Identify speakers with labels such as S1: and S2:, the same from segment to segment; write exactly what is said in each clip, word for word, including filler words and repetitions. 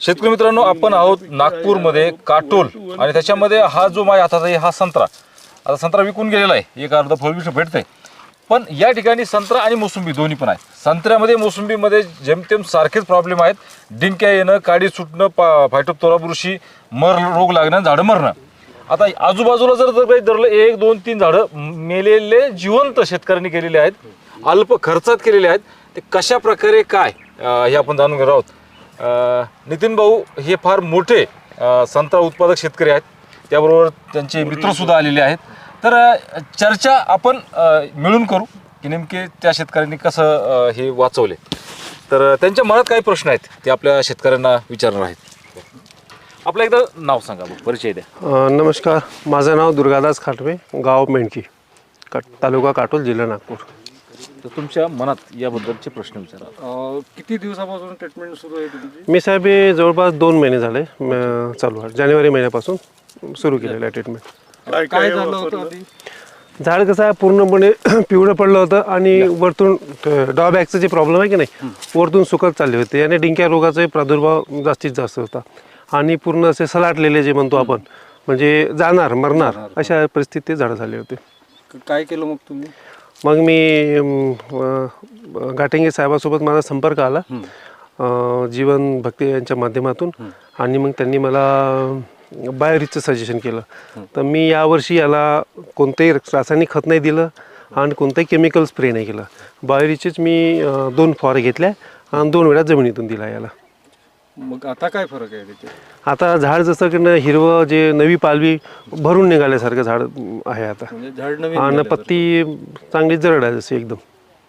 S1: शेतकरी मित्रांनो, आपण आहोत नागपूरमध्ये काटोल आणि त्याच्यामध्ये हा जो माझ्या हातात आहे हा संत्रा. आता संत्रा विकून गेलेला आहे, एक अर्धा फळ भेटतंय, पण या ठिकाणी संत्रा आणि मोसंबी दोन्ही पण आहे. संत्र्यामध्ये मोसंबीमध्ये जेमतेम सारखेच प्रॉब्लेम आहेत. डिंक्या येणं, काडी सुटणं, पा फायटोप्थोरा बुरशी, मर रोग लागणं, झाडं मरणं. आता आजूबाजूला जर जर काही धरलं एक दोन तीन झाडं मेलेले जिवंत शेतकऱ्यांनी केलेले आहेत, अल्प खर्चात केलेले आहेत. ते कशा प्रकारे काय हे आपण जाणून घेणार आहोत. नितीन भाऊ हे फार मोठे संत्रा उत्पादक शेतकरी आहेत, त्याबरोबर त्यांचे मित्रसुद्धा आलेले आहेत. तर चर्चा आपण मिळून करू की नेमके त्या शेतकऱ्यांनी कसं हे वाचवले. तर त्यांच्या मनात काही प्रश्न आहेत ते आपल्या शेतकऱ्यांना विचारणार आहेत. आपलं एकदा नाव सांगा, परिचय द्या.
S2: नमस्कार, माझं नाव दुर्गादास खाटवे, गाव मेंढकी, काट तालुका काटोल, जिल्हा नागपूर.
S1: तर तुमच्या मनात याबद्दलचे प्रश्न विचारा.
S3: किती दिवसापासून ट्रीटमेंट सुरू आहे तुमची?
S2: मी साहेब हे जवळपास दोन महिने झाले म- चालू आहे. जानेवारी महिन्यापासून सुरू केलेलं आहे ट्रीटमेंट.
S3: काय काय झालं होतं आधी?
S2: झाड कसं आहे, पूर्णपणे पिवळं पडलं होतं आणि वरतून ड्रॉबॅकचं जे प्रॉब्लेम आहे की नाही, वरतून सुकत चालले होते आणि डिंक्या रोगाचा प्रादुर्भाव जास्तीत जास्त होता आणि पूर्ण असे सलाटलेले जे म्हणतो आपण, म्हणजे जाणार मरणार अशा परिस्थितीत झाडं झाले होते.
S3: काय केलं मग तुम्ही?
S2: मग मी घाटेंगे साहेबासोबत माझा संपर्क आला जीवन भक्ती यांच्या माध्यमातून, आणि मग त्यांनी मला बायोरिचचं सजेशन केलं. तर मी यावर्षी याला कोणतंही रासायनिक खत नाही दिलं आणि कोणताही केमिकल स्प्रे नाही केलं. बायोरिचेच मी दोन फवारे घेतल्या आणि दोन वेळा जमिनीतून दिला याला.
S3: मग आता काय फरक आहे त्याच्यात?
S2: आता झाड जसं की हिरवं जे नवी पालवी भरून निघाल्यासारखं झाड आहे आता,
S3: म्हणजे झाड नवीन
S2: आणि
S3: झालं
S2: पत्ती चांगली जरड आहे जशी एकदम.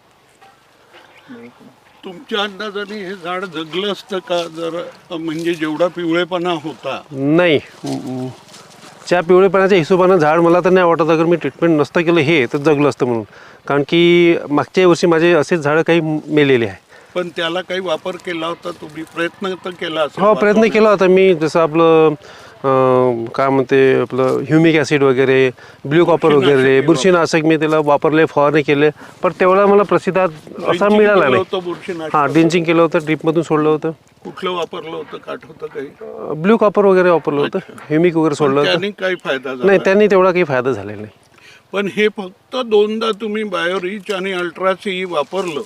S4: तुमच्या अंदाजाने हे झाड जगलं असतं का जर म्हणजे जेवढा पिवळेपणा होता?
S2: नाही, म- त्या पिवळेपणाच्या हिशोबानं झाड मला तर नाही वाटत अगर मी ट्रीटमेंट नसतं केलं हे तर जगलं असतं म्हणून. कारण की मागच्या वर्षी माझे असेच झाडं काही मेलेले आहे.
S4: पण त्याला काही वापर केला होता तुम्ही? प्रयत्न तर केला असेल?
S2: हो, प्रयत्न केला होता मी. जसं आपलं अं, काय म्हणते आपलं ह्युमिक ॲसिड वगैरे, ब्ल्यू कॉपर वगैरे, बुरशीनाशक मी त्याला वापरले, फवारणी केले, पण तेवढा मला प्रतिसाद असा
S4: ड्रिंचिंग
S2: मिळाला
S4: केलं
S2: नाही.
S4: होतं बुरशीनाशक?
S2: हां, ड्रिंचिंग केलं होतं, ड्रीपमधून सोडलं होतं.
S4: कुठलं वापरलं होतं? काठ होतं काही?
S2: ब्ल्यू कॉपर वगैरे वापरलं होतं, ह्युमिक वगैरे सोडलं होतं.
S4: त्याने काही फायदा झाला
S2: नाही, त्यांनी तेवढा काही फायदा झालेला नाही.
S4: पण हे फक्त दोनदा तुम्ही बायोरिच आणि अल्ट्रासी वापरलं,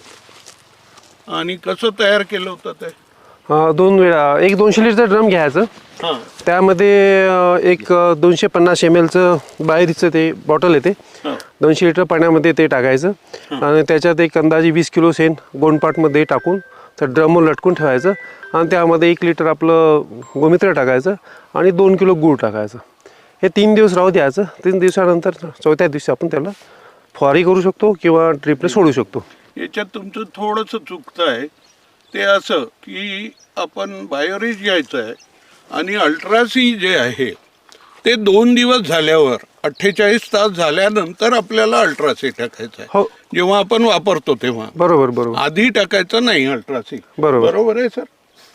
S4: आणि कसं तयार केलं होतं ते?
S2: अं, दोन वेळा एक दोनशे लिटरचं ड्रम घ्यायचं,
S4: हां
S2: त्यामध्ये अं, एक अं, दोनशे पन्नास एम एलचं बाहेरचं ते बॉटल येते,
S4: हां
S2: दोनशे लिटर पाण्यामध्ये ते टाकायचं आणि त्याच्यात एक अंदाजे वीस किलो शेण गोंडपाटमध्ये टाकून त्या ड्रमवर लटकून ठेवायचं आणि त्यामध्ये एक लिटर आपलं गोमित्र टाकायचं आणि दोन किलो गूळ टाकायचं. हे तीन दिवस राहू द्यायचं. तीन दिवसानंतर चौथ्या दिवशी आपण त्याला फवारणी करू शकतो किंवा ड्रिपने सोडू शकतो.
S4: याच्यात तुमचं थोडंसं चुकतं आहे ते असं की आपण बायोरिच घ्यायचं आहे आणि अल्ट्रासी जे आहे ते दोन दिवस झाल्यावर अठ्ठेचाळीस तास झाल्यानंतर आपल्याला अल्ट्रासी टाकायचं आहे.
S2: हो,
S4: जेव्हा आपण वापरतो तेव्हा
S2: बरोबर बरोबर
S4: आधी टाकायचं नाही अल्ट्रासी.
S2: बरोबर.
S4: बरोबर आहे सर?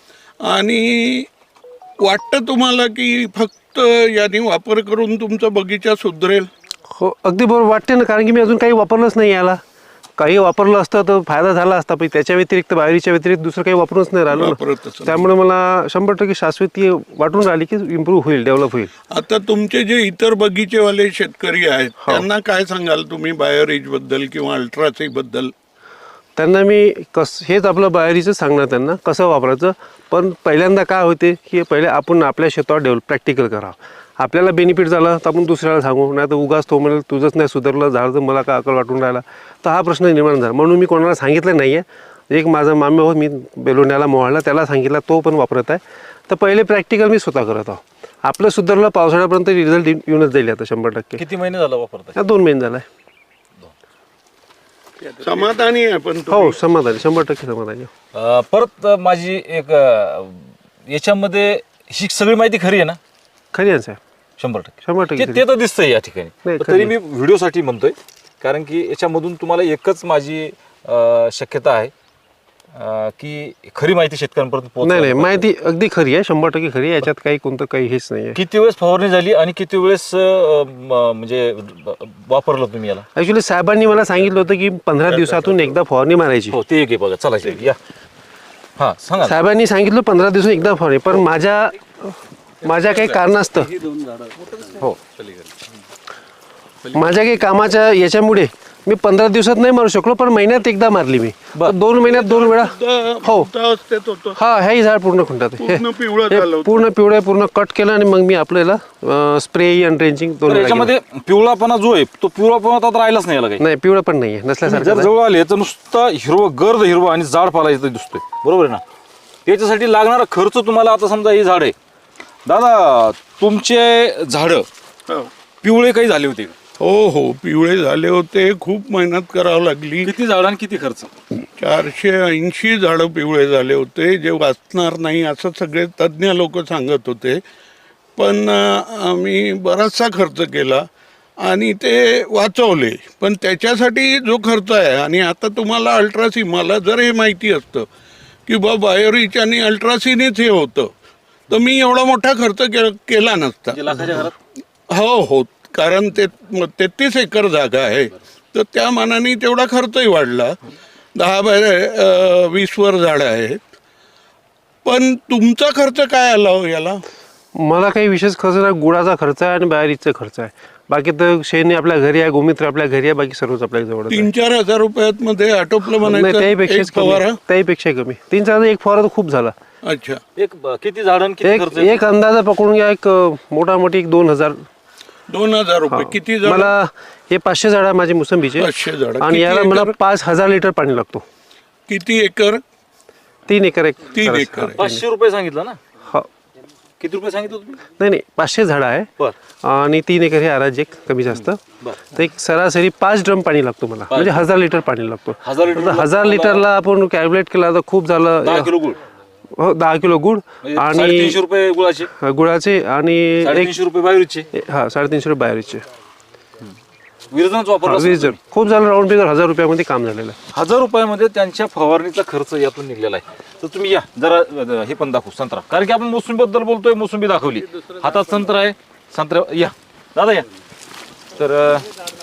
S4: आणि वाटतं तुम्हाला की फक्त याने वापर करून तुमचा बगीचा सुधरेल?
S2: हो, अगदी बरोबर वाटते ना, कारण की मी अजून काही वापरलंच नाही याला. काही वापरलं असतं तर फायदा झाला असता, पण त्याच्या व्यतिरिक्त बाहेरच्या व्यतिरिक्त दुसरं काही वापरूनच नाही राहिलो
S4: वापरतच
S2: ना.
S4: नाही.
S2: त्यामुळे मला शंभर टक्के शाश्वती वाटून राहिली की इम्प्रूव्ह होईल, डेव्हलप होईल.
S4: आता तुमचे जे इतर बगीचेवाले शेतकरी आहेत त्यांना काय सांगाल तुम्ही बायोरिच बद्दल किंवा अल्ट्रासी बद्दल?
S2: त्यांना मी कस हेच आपलं बाहेरीचं सांगणार त्यांना कसं वापरायचं. पण पहिल्यांदा काय होते की पहिले आपण आपल्या शेतावर डेव्हलप प्रॅक्टिकल करावं. आपल्याला बेनिफिट झाला तर आपण दुसऱ्याला सांगू, नाही तर उगाच तो म्हणेल तुझंच नाही सुधारलं झाड तर मला काय अकल वाटून राहिला, तर हा प्रश्न निर्माण झाला. म्हणून मी कोणाला सांगितलं नाही आहे. एक माझा मामे हो, मी बेलोण्याला मोहाळला, त्याला सांगितलं, तो पण वापरत आहे. तर पहिले प्रॅक्टिकल मी स्वतः करत आहो. आपलं सुधारलं पावसाळ्यापर्यंत रिझल्ट येऊनच जाईल आता शंभर टक्के.
S1: किती महिने झाला वापरताय?
S2: दोन महिने झाला आहे.
S4: समाधानी आहे पण
S2: हो, समाधानी, शंभर टक्के समाधानी.
S1: अं, परत माझी एक अं, याच्यामध्ये ही सगळी माहिती खरी आहे ना?
S2: खरी आहे साहेब,
S1: शंभर टक्के
S2: शंभर टक्के
S1: ते ते तर दिसतंय या ठिकाणी.
S2: नाही,
S1: पण तरी मी व्हिडिओसाठी म्हणतोय, कारण की याच्यामधून तुम्हाला एकच माझी अं, शक्यता आहे अं, की खरी माहिती शेतकऱ्यांपर्यंत
S2: नाही
S1: पोहोचवायला
S2: नाही,
S1: पाहिजे.
S2: माहिती अगदी खरी आहे, शंभर टक्के खरी आहे. याच्यात काही कोणतं काही हेच नाही आहे.
S1: किती वेळेस फवारणी झाली आणि किती वेळेस अं, म- म्हणजे वापरलं तुम्ही याला?
S2: ॲक्च्युली साहेबांनी मला सांगितलं होतं की पंधरा दिवसातून एकदा फवारणी मारायची.
S1: हो, ते एक आहे बघा. चला इकडे या. हा सांगा.
S2: साहेबांनी सांगितलं पंधरा दिवस एकदा फवारणी, पण माझ्या माझ्या काही कारणास्तव
S1: हो
S2: माझ्या काही कामाच्या याच्यामुळे मी पंधरा दिवसात नाही मारू शकलो, पण महिन्यात एकदा मारली मी.
S1: बरं.
S2: दोन महिन्यात दोन वेळा. हो.
S4: अवस्थेत होतं.
S2: हा हेही झाड पूर्ण खुंटात आहे.
S4: पूर्ण पिवळं
S2: हे
S4: झालं होतं.
S2: पूर्ण पिवळं पूर्ण कट केलं आणि मग मी आपल्याला स्प्रे आणि ड्रेंचिंग दोन
S1: तर
S2: वेळा केलं.
S1: याच्यामध्ये पिवळापणा जो आहे तो पिवळापणा आता राहिलाच नाही याला काही.
S2: नाही पिवळं पण नाहीये, नसल्यासारखं
S1: जर
S2: आहे.
S1: जवळ आले तर नुसतं हिरवं गर्द हिरवं आणि झाड पाला इथं दिसतोय, बरोबर आहे ना. त्याच्यासाठी लागणारा खर्च तुम्हाला आता समजा ही झाड आहे दादा, तुमचे झाडं
S4: हो.
S1: पिवळे काही झाले होते का?
S4: हो हो पिवळे झाले होते. खूप मेहनत करावं लागली.
S1: किती झाड आणि किती खर्च?
S4: चारशे ऐंशी झाडं पिवळे झाले होते, जे वाचणार नाही असं सगळे तज्ज्ञ लोक सांगत होते. पण अं, आम्ही बराचसा खर्च केला आणि ते वाचवले. पण त्याच्यासाठी जो खर्च आहे, आणि आता तुम्हाला अल्ट्रासी, मला जर हे माहिती असतं की बा बायोरिच आणि अल्ट्रासीनेच हे होतं, तर मी एवढा मोठा खर्च के केला नसता.
S1: लाखाच्या घरात
S4: हो हो कारण ते तेहतीस एकर जागा आहे, तर त्या मानाने तेवढा खर्चही वाढला. दहा बाय अं, वीस वर झाडं आहेत. पण तुमचा खर्च काय आला हो याला?
S2: मला काही विशेष खर्च नाही, गुळाचा खर्च आहे आणि बाहेरीचा खर्च आहे. बाकी तर शेणी आपल्या घरी आहे, गोमित्र आपल्या घरी आहे, बाकी सर्वच आपल्या जवळ आहे.
S4: तीन चार हजार रुपयात मध्ये आटोपलं
S2: नाही
S4: म्हणायचं
S2: त्याहीपेक्षा
S4: एक फवारा.
S2: त्याहीपेक्षा कमी. तीन चार एक फवारा तर खूप झाला.
S4: अच्छा.
S1: एक ब- किती झाड आणि किती
S2: एक
S1: खर्च?
S2: एक अंदाजा पकडून घ्या, एक मोठा मोठी एक दोन हजार.
S4: दोन हजार रुपये किती झाड?
S2: मला हे पाचशे झाड आहे माझे मोसंबीचे,
S4: पाचशे झाडं.
S2: आणि
S4: किती
S2: याला मला
S4: एकर?
S2: पाच हजार लिटर पाणी लागतो.
S4: किती एकर?
S2: तीन एकर एक
S4: तीन
S2: करायचं.
S4: एकर.
S1: पाचशे रुपये सांगितलं ना,
S2: हो.
S1: किती रुपये सांगितलं तुम्ही?
S2: नाही नाही पाचशे झाडं आहे
S1: बर
S2: आणि तीन एकर हे आराज एक कमी जास्त.
S1: बर
S2: तर एक सरासरी पाच ड्रम पाणी लागतो मला, म्हणजे हजार लिटर पाणी लागतो.
S1: हजार लिटर
S2: तर हजार लिटरला आपण कॅल्क्युलेट केला तर खूप
S1: दहा
S2: झालं.
S1: किलो गुळ
S2: हो दहा किलो गुळ
S1: म्हणजे
S2: आणि
S1: साडेतीनशे रुपये गुळाचे,
S2: गुळाचे आणि एक
S1: साडेतीनशे रुपये बाहेरचे.
S2: हा साडेतीनशे रुपये बाहेरचे.
S1: विरजनच वापरला असेल.
S2: वीस जण खूप झालं, राऊंड फिगर हजार रुपयामध्ये काम झालेलं आहे.
S1: हजार रुपयामध्ये त्यांच्या फवारणीचा खर्च यातून निघलेला आहे. तर तुम्ही या जरा अ, हे पण दाखवू संत्रा, कारण की आपण मोसंबी बद्दल बोलतोय, मोसंबी दाखवली, हातात संत्रा आहे. संत्रा या दादा या. तर अ,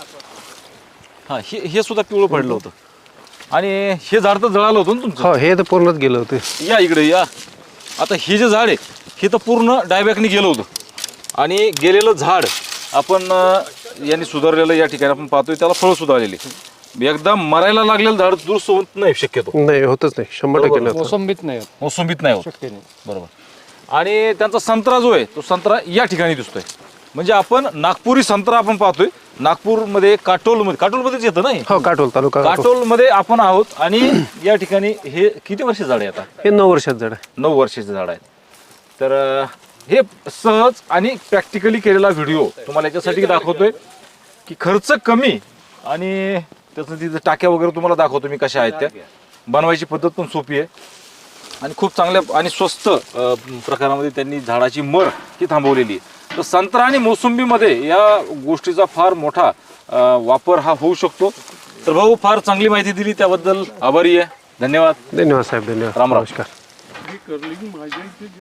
S1: हा हे हे सुद्धा पिवळं पडलं होतं आणि हे झाड तर जळालं होतं ना तुमचं.
S2: हो हे तर पूर्णच गेलं होते.
S1: या इकडे या. आता हे जे झाड आहे हे तर पूर्ण डायबॅकने गेलं होतं आणि गेलेलं झाड आपण अ, यांनी सुधारलेलं या ठिकाणी आपण पाहतोय, त्याला फळं सुद्धा आलेली. एकदा मरायला लागलेलं झाड दुरुस्त होत नाही शक्यतो,
S2: नाही होतच नाही, शंभर टक्के नाही होत.
S3: मोसंबीत नाही होत.
S1: मोसंबीत नाही होत.
S3: शक्य नाही.
S1: बरोबर. आणि त्यांचा संत्रा जो आहे तो संत्रा या ठिकाणी दिसतोय. म्हणजे आपण नागपुरी संत्रा आपण पाहतोय. नागपूरमध्ये काटोलमध्ये, काटोलमध्येच येतं नाही,
S2: हो काटोल तालुका काटोल.
S1: काटोलमध्ये आपण आहोत. आणि या ठिकाणी हे किती वर्ष झाड आहे आता?
S2: हे नऊ वर्षात झाड आहे.
S1: नऊ वर्षाचे झाड आहेत. तर अं, हे सहज आणि प्रॅक्टिकली केलेला व्हिडिओ तुम्हाला याच्यासाठी दाखवतोय की खर्च कमी आणि त्याचं तिथं टाक्या वगैरे तुम्हाला दाखवतो मी कशा आहेत त्या. बनवायची पद्धत पण सोपी आहे आणि खूप चांगल्या आणि स्वस्त अं, प्रकारामध्ये त्यांनी झाडाची मर ही थांबवलेली आहे. तर संत्रा आणि मोसंबीमध्ये या गोष्टीचा फार मोठा अं, वापर हा होऊ शकतो. तर भाऊ फार चांगली माहिती दिली, त्याबद्दल आभारी आहे. धन्यवाद.
S2: धन्यवाद साहेब, धन्यवाद.
S1: राम राम.
S2: नमस्कार.
S4: ही कर्लिंग माझ्या इथे